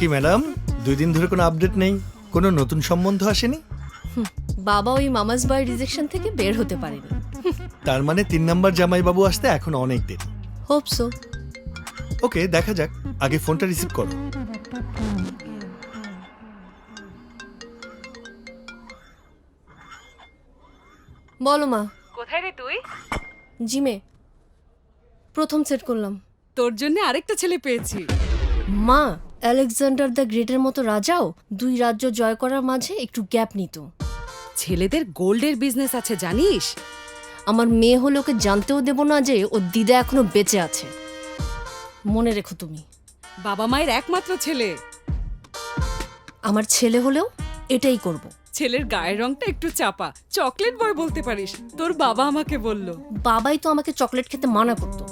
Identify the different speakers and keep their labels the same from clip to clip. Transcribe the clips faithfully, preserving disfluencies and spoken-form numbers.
Speaker 1: কি ম্যাডাম, দুই দিন ধরে কোনো আপডেট নেই, কোনো নতুন সম্বন্ধ আসেনি?
Speaker 2: বাবা ওই মামাস বয় রিজেকশন থেকে বের হতে পারেনি।
Speaker 1: তার মানে তিন নাম্বার জামাইবাবু আসতে এখন অনেক দেরি।
Speaker 2: Hope so.
Speaker 1: ওকে, দেখা যাক, আগে ফোনটা রিসিভ করো।
Speaker 2: বলো মা।
Speaker 3: কোথায় রে তুই?
Speaker 2: জিমে প্রথম সেট করলাম।
Speaker 3: তোর জন্য আরেকটা ছেলে পেয়েছি।
Speaker 2: মা, আলেকজান্ডার দ্য গ্রেটের মতো রাজাও দুই রাজ্য জয় করার মাঝে একটু গ্যাপ নিত।
Speaker 3: ছেলেদের গোল্ডের বিজনেস আছে জানিস?
Speaker 2: আমার মেয়ে হলে ওকে জানতেও দেব না যে ওর দিদা এখনো বেঁচে আছে। মনে রেখো তুমি।
Speaker 3: বাবা মায়ের একমাত্র ছেলে।
Speaker 2: আমার ছেলে হলেও এটাই করব।
Speaker 3: ছেলের গায়ের রংটা একটু চাপা, চকলেট বয় বলতে পারিস। তোর বাবা আমাকে বলল।
Speaker 2: বাবাই তো আমাকে চকলেট খেতে মানা করতো।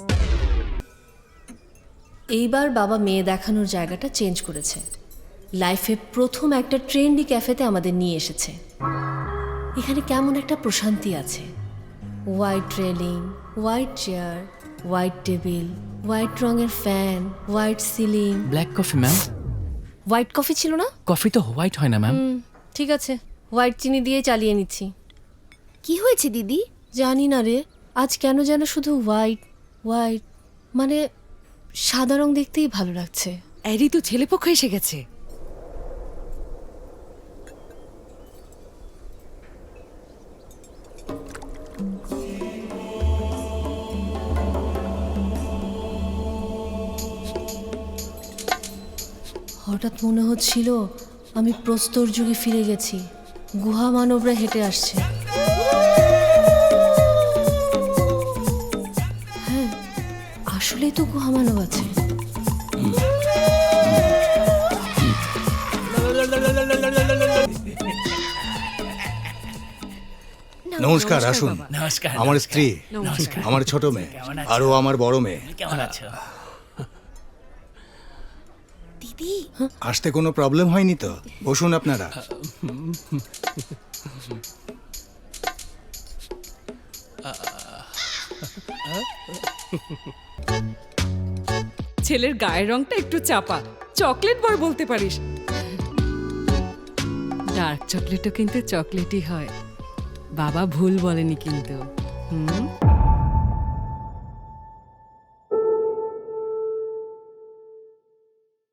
Speaker 2: এইবার বাবা মেয়ে দেখানোর জায়গাটা চেঞ্জ করেছে। লাইফে প্রথম একটা ট্রেন্ডি ক্যাফেতে আমাদের নিয়ে এসেছে। এখানে কেমন একটা প্রশান্তি আছে। White railing, white chair, white table, white রঙের fan, white ceiling.
Speaker 4: Black coffee ma'am.
Speaker 2: White coffee ছিল না?
Speaker 4: কফি তো হোয়াইট হয় না ম্যাম।
Speaker 2: হুম, ঠিক আছে, হোয়াইট চিনি দিয়ে চালিয়ে নিচ্ছি।
Speaker 5: কি হয়েছে দিদি?
Speaker 2: জানি না রে, আজ কেন যেন শুধু হোয়াইট হোয়াইট, মানে সাদা রং দেখতেই ভালো লাগছে।
Speaker 3: এরই তো ছেলেপক্ষ এসে গেছে।
Speaker 2: হঠাৎ মনে হচ্ছিল আমি প্রস্তর যুগে ফিরে গেছি। গুহা মানবরা হেঁটে আসছে। হ্যাঁ, আসলেই তো গুহা মানব আছে।
Speaker 6: নমস্কার, আসুন।
Speaker 4: নমস্কার।
Speaker 6: আমার স্ত্রী,
Speaker 3: নমস্কার।
Speaker 6: আমার ছোট মেয়ে, আরও আমার বড় মেয়ে।
Speaker 4: কেমন আছো?
Speaker 5: দিদি
Speaker 6: আসতে কোনো প্রবলেম হয়নি তো? বসুন আপনারা।
Speaker 3: ছেলের গায়ের রংটা একটু চাপা, চকলেট বয় বলতে পারিস। ডার্ক চকলেটও কিন্তু চকলেটই হয়। বাবা ভুল বলেনি কিন্তু। হুম।